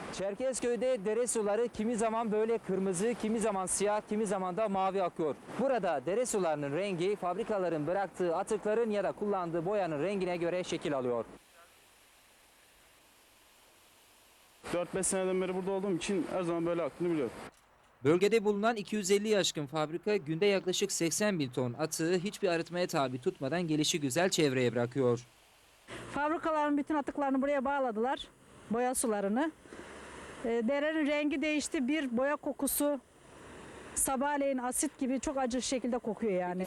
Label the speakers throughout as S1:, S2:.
S1: Çerkezköy'de dere suları kimi zaman böyle kırmızı, kimi zaman siyah, kimi zaman da mavi akıyor. Burada dere sularının rengi fabrikaların bıraktığı atıkların ya da kullandığı boyanın rengine göre şekil alıyor.
S2: 4-5 seneden beri burada olduğum için her zaman böyle aktığını biliyorum.
S1: Bölgede bulunan 250 aşkın fabrika günde yaklaşık 80 bin ton atığı hiçbir arıtmaya tabi tutmadan gelişigüzel çevreye bırakıyor.
S3: Fabrikaların bütün atıklarını buraya bağladılar, boya sularını. Derenin rengi değişti, bir boya kokusu, sabahleyin asit gibi çok acı şekilde kokuyor yani.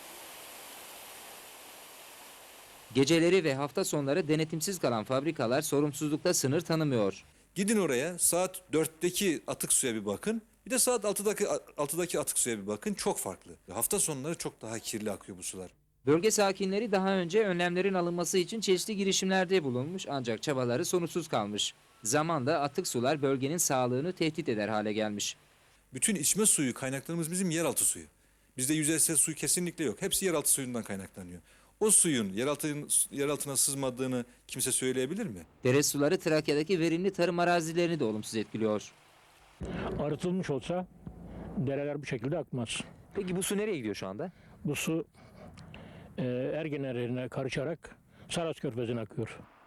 S1: Geceleri ve hafta sonları denetimsiz kalan fabrikalar sorumsuzlukta sınır tanımıyor.
S4: Gidin oraya, saat 4'teki atık suya bir bakın. Bir de saat 6'daki atık suya bir bakın. Çok farklı. Hafta sonları çok daha kirli akıyor bu sular.
S1: Bölge sakinleri daha önce önlemlerin alınması için çeşitli girişimlerde bulunmuş ancak çabaları sonuçsuz kalmış. Zamanla atık sular bölgenin sağlığını tehdit eder hale gelmiş.
S4: Bütün içme suyu kaynaklarımız bizim yeraltı suyu. Bizde yüzeysel su kesinlikle yok. Hepsi yeraltı suyundan kaynaklanıyor. O suyun yeraltına sızmadığını kimse söyleyebilir mi?
S1: Dere suları Trakya'daki verimli tarım arazilerini de olumsuz etkiliyor.
S5: Arıtılmış olsa dereler bu şekilde akmaz.
S1: Peki bu su nereye gidiyor şu anda?
S5: Bu su Ergen Nehri'ne karışarak Saras Körfezi'ne akıyor.